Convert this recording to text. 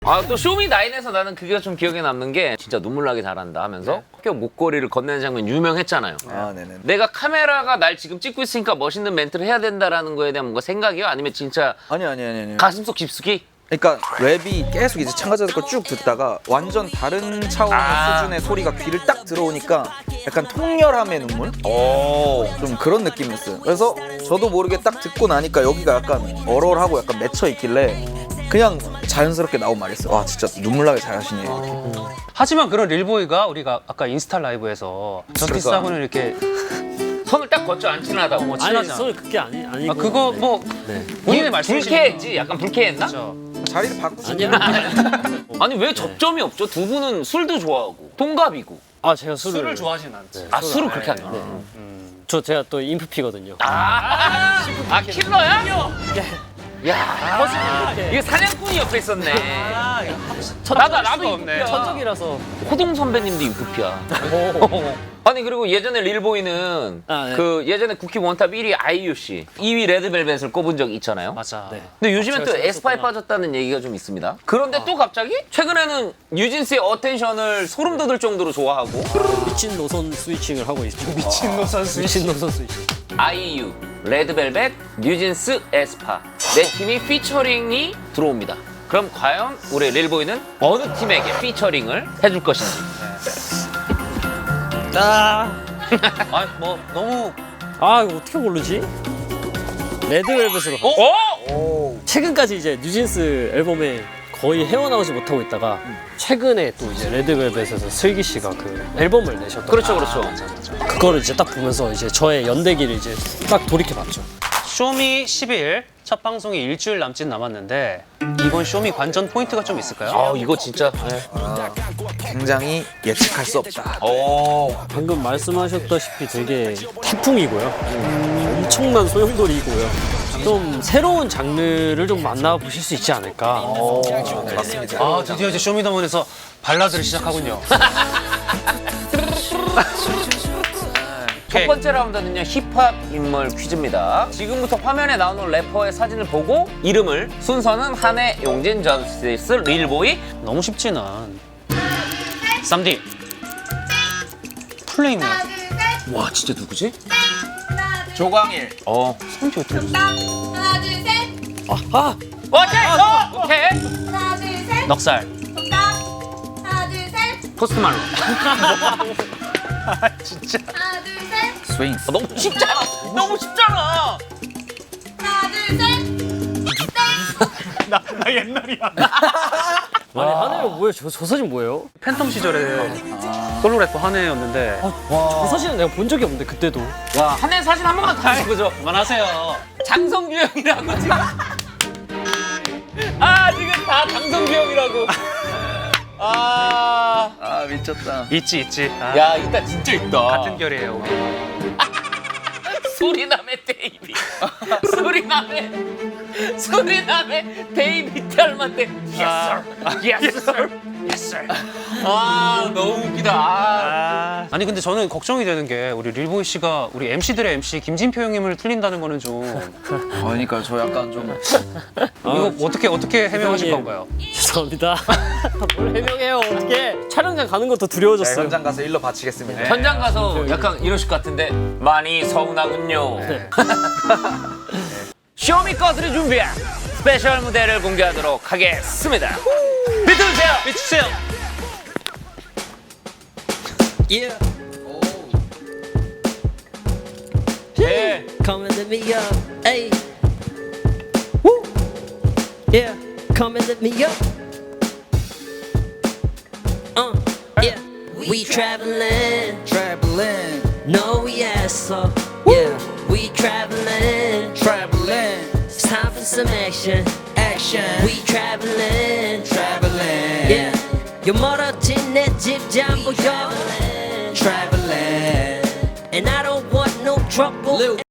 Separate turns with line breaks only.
아, 또 쇼미나인에서 나는 그게 좀 기억에 남는 게 진짜 눈물 나게 잘한다 하면서 학교 목걸이를 건네는 장면 유명했잖아요.
아, 네네.
내가 카메라가 날 지금 찍고 있으니까 멋있는 멘트를 해야 된다라는 거에 대한 뭔가 생각이요? 아니면 진짜
아니.
가슴속 깊숙이?
그러니까 랩이 계속 이제 참가자들 거 쭉 듣다가 완전 다른 차원의 수준의 소리가 귀를 딱 들어오니까 약간 통렬함의 눈물? 좀 그런 느낌이었어요. 그래서 저도 모르게 딱 듣고 나니까 여기가 약간 얼얼하고 약간 맺혀 있길래 그냥 자연스럽게 나온 말이었어요. 와, 진짜 눈물 나게 잘하시네.
하지만 그런 릴보이가 우리가 아까 인스타 라이브에서 저스티스하고는 이렇게
손을 딱 걷죠, 안 친하다고.
뭐
아니
친하잖아.
손을 그게 아니고.
아, 그거 뭐 본인의 말씀이시죠.
불쾌했지? 약간 불쾌했나?
자리를 바꾸지.
아니야.
아니 왜 접점이 없죠? 두 분은 술도 좋아하고 동갑이고.
아 제가
술을 좋아하진 않지.
아, 술을 그렇게 하냐?
제가 또 인프피거든요.
아, 킬러야? 야, 이게 사냥꾼이 옆에 있었네. 나도
없네.
천적이라서.
호동 선배님도 인프피야. 아니 그리고 예전에 릴보이는
아, 네.
그 예전에 쿠키 원탑 1위 아이유 씨, 2위 레드벨벳을 꼽은 적이 있잖아요.
맞아.
네.
근데 요즘엔 또
제가
에스파에
생각했구나.
빠졌다는 얘기가 좀 있습니다. 그런데 또 갑자기 최근에는 뉴진스의 어텐션을 소름 돋을 정도로 좋아하고
미친 노선 스위칭을 하고 있죠.
미친 노선
미친 노선 스위칭.
아이유, 레드벨벳, 뉴진스, 에스파 네 팀이 피처링이 들어옵니다. 그럼 과연 우리 릴보이는 어느 팀에게 피처링을 해줄 것인지.
아, 뭐 너무
아 이거 어떻게 고르지? 레드벨벳으로. 최근까지 이제 뉴진스 앨범에 거의 헤어나오지 못하고 있다가 최근에 또 이제 레드벨벳에서 슬기 씨가 그 앨범을 내셨던.
그렇죠, 그렇죠.
그거를 이제 딱 보면서 이제 저의 연대기를 이제 딱 돌이켜 봤죠.
쇼미 10일 첫 방송이 일주일 남짓 남았는데 이번 쇼미 관전 포인트가 좀 있을까요?
아 이거 진짜.
굉장히 예측할 수 없다.
방금 말씀하셨다시피 되게 태풍이고요. 엄청난 소용돌이고요. 좀 새로운 장르를 좀 만나보실 수 있지 않을까.
맞습니다.
아, 드디어 이제 쇼미더머니에서 발라드를 시작하군요.
첫 번째 라운드는요 힙합 인물 퀴즈입니다. 지금부터 화면에 나오는 래퍼의 사진을 보고 이름을 순서는 한혜, 용진, 저스티스, 릴보이.
너무 쉽지는. 쌈디. 플레이맨.
와 진짜 누구지?
조광일.
쌈디 어떻게 됐어?
하나 둘 셋.
오케이.
하나 둘 셋.
넉살.
정답. 하나 둘 셋.
포스트 말론.
진짜.
하나 둘 셋.
스윙.
너무 쉽잖아. 너무 쉽잖아.
하나 둘 셋.
나 옛날이야.
아니 하늘이 뭐예요? 저 사진 뭐예요?
팬텀 시절에 솔로 래퍼 한혜였는데
저 사진은 내가 본 적이 없는데 그때도.
야 한혜 사진 한 번만 더 보죠.
그만하세요.
장성규 형이라고 지금. 지금 다 장성규 형이라고.
아, 미쳤다.
있지. 아,
야 이따 진짜 있다.
같은 결이에요. 우리.
수리남의 데이비. 수리남의 데이비 닮았 때. Yes sir. Yes sir. Yes sir. 너무 웃기다.
아니 근데 저는 걱정이 되는 게 우리 릴보이 씨가 우리 MC들의 MC 김진표 형님을 틀린다는 거는 좀
그러니까 저 약간 좀
이거 어떻게 해명하실
형님.
건가요?
죄송합니다. 뭘 해명해요? 어떻게 촬영장 가는 것도 두려워졌어요.
현장 가서 일러 바치겠습니다.
현장 가서 약간 이러실 것 같은데 많이 서운하군요. 쇼미 것들이 준비한 스페셜 무대를 공개하도록 하겠습니다. 비트 주세요.
비추세요.
Yeah.
네.
Come and let me up, hey. Woo. Yeah, come and let me up. Yeah. We traveling, no yes so. Yeah, we traveling, It's time for some action. We traveling, Yeah, 요 멀어진 내 집 잠보 traveling. And I don't want no trouble.